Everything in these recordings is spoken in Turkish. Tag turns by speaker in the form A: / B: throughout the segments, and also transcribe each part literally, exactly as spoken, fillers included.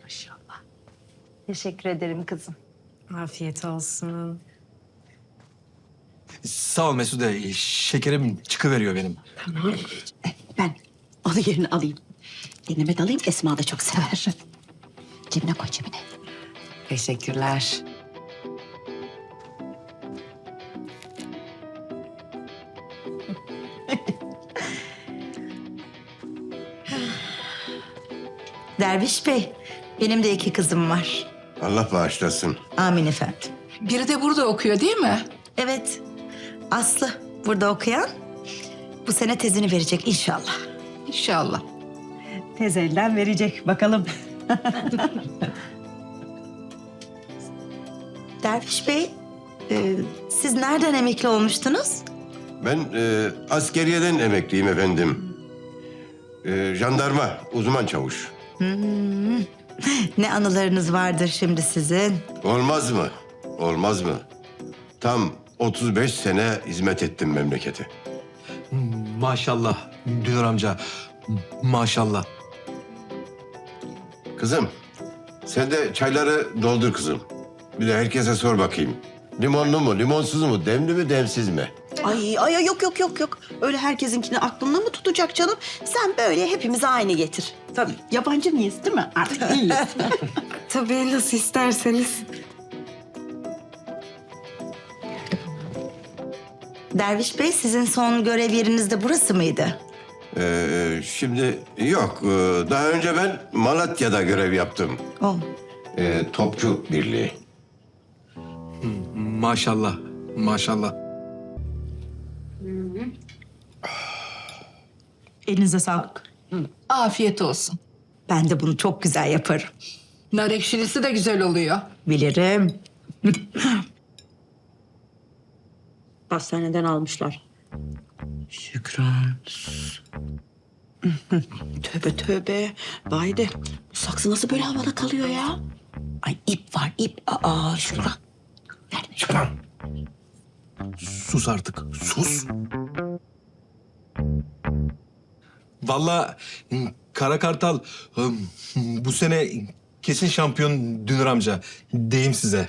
A: Maşallah.
B: Teşekkür ederim kızım.
A: Afiyet olsun.
C: Sağ ol Mesude. Şekerim çıkıveriyor benim.
D: Ben onu yerine alayım. Elime de alayım, Esma da çok sever. Cebine koy, cebine.
A: Teşekkürler.
B: Derviş Bey, benim de iki kızım var.
E: Allah bağışlasın.
B: Amin efendim.
F: Biri de burada okuyor değil mi?
B: Evet, Aslı burada okuyan bu sene tezini verecek inşallah.
F: İnşallah.
B: Tez elden verecek bakalım. Derviş Bey, e, siz nereden emekli olmuştunuz?
E: Ben e, askeriyeden emekliyim efendim. E, jandarma, uzman çavuş.
B: Ne anılarınız vardır şimdi sizin?
E: Olmaz mı? Olmaz mı? Tam otuz beş sene hizmet ettim memlekete.
C: Maşallah Dünür amca. Maşallah.
E: Kızım, sen de çayları doldur kızım. Bir de herkese sor bakayım. Limonlu mu, limonsuz mu, demli mi, demsiz mi?
D: Ay, ay ay, yok yok yok yok. Öyle herkesinkini aklında mı tutacak canım? Sen böyle hepimize aynı getir. Tabii yabancı mıyız değil mi? Artık değiliz.
A: Tabii nasıl isterseniz.
B: Derviş Bey, sizin son görev yeriniz de burası mıydı?
E: Ee, şimdi yok. Ee, Daha önce ben Malatya'da görev yaptım.
B: Oh.
E: Ee, Topçu Birliği.
C: Maşallah. Maşallah.
B: Elinize sağlık.
F: Afiyet olsun.
B: Ben de bunu çok güzel yaparım.
F: Nar ekşilisi de güzel oluyor.
B: Bilirim.
D: Hastaneden almışlar.
B: Şükran.
D: Tövbe tövbe. Vay de bu saksı nasıl böyle havada kalıyor ya? Ay ip var ip. Aa Şükran. Nerede?
C: Şükran. Sus artık. Sus. Vallahi Kara Kartal bu sene kesin şampiyon Dünür amca. Deyim size.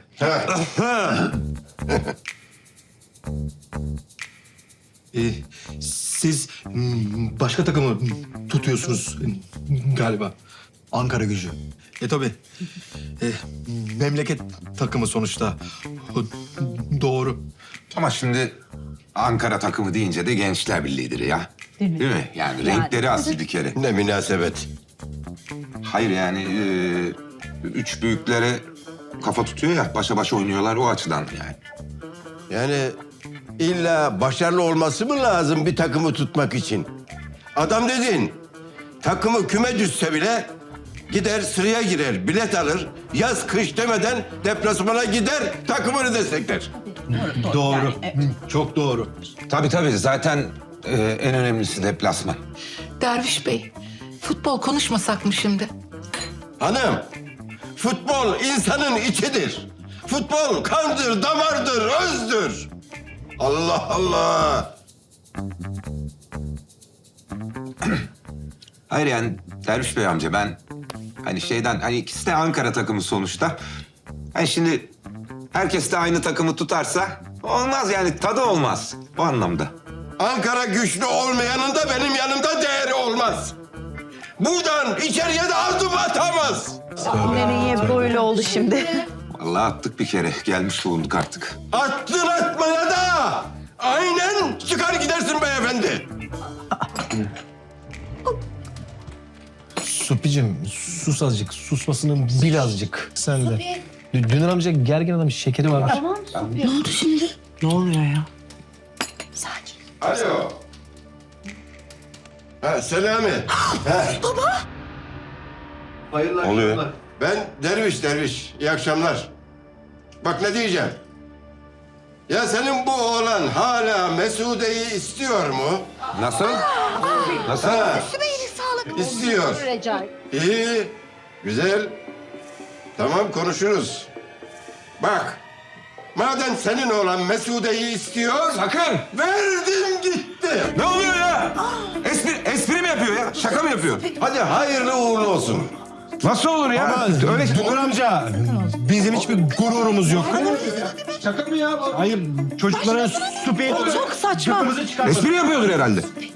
C: Ee, siz başka takımı tutuyorsunuz galiba.
G: Ankara Gücü.
C: E tabii. E, memleket takımı sonuçta. Doğru.
H: Ama şimdi Ankara takımı deyince de Gençler Birliği'dir ya. Değil mi? Değil mi? Yani renkleri az bir kere.
E: Ne münasebet.
H: Hayır yani e, üç büyüklere kafa tutuyor ya, başa başa oynuyorlar o açıdan yani.
E: Yani illa başarılı olması mı lazım bir takımı tutmak için? Adam dedin, takımı küme düşse bile gider sıraya girer, bilet alır, yaz kış demeden deplasmana gider, takımını destekler.
G: Doğru. Çok doğru.
H: Tabii tabii zaten e, en önemlisi deplasman.
F: Derviş Bey, futbol konuşmasak mı şimdi?
E: Hanım, futbol insanın içidir. Futbol kandır, damardır, özdür. Allah Allah.
H: Hayır yani Derviş Bey amca ben hani şeyden hani ikisi de Ankara takımı sonuçta. Hani şimdi herkes de aynı takımı tutarsa olmaz yani tadı olmaz o anlamda.
E: Ankara güçlü olmayanın da benim yanımda değeri olmaz. Buradan içeriye de adım atamaz.
D: Nereye böyle oldu şimdi?
H: Vallahi attık bir kere gelmiş bulunduk artık.
E: Attın atmaya da aynen çıkar gidersin beyefendi.
G: Supicim sus azıcık. Susmasını bil azıcık. Sen de. Dü- Dünür amca gergin adam şekeri varmış.
D: Ne oldu şimdi?
A: Ne oluyor ya?
D: Sakin.
E: Alo. Ha Selami. Ha. Baba. Hayırlı
H: Oluyor.
E: akşamlar. Ben Derviş Derviş. İyi akşamlar. Bak ne diyeceğim. Ya senin bu oğlan hala Mesude'yi istiyor mu?
H: Nasıl? Nasıl?
E: Ha. İstiyor. İyi. Güzel. Tamam konuşuruz. Bak. Madem senin oğlan Mesude'yi istiyor...
H: Sakın!
E: Verdim gitti.
H: Ne oluyor ya? Espri, espri mi yapıyor ya? Şaka mı yapıyor?
E: Hadi hayırlı uğurlu olsun.
C: Nasıl olur ya?
G: Ama
C: Öyle
G: Dünür amca bizim hiçbir gururumuz yok.
C: şaka mı ya?
G: Hayır çocuklara su
D: Çok saçma.
C: Espri yapıyordur herhalde.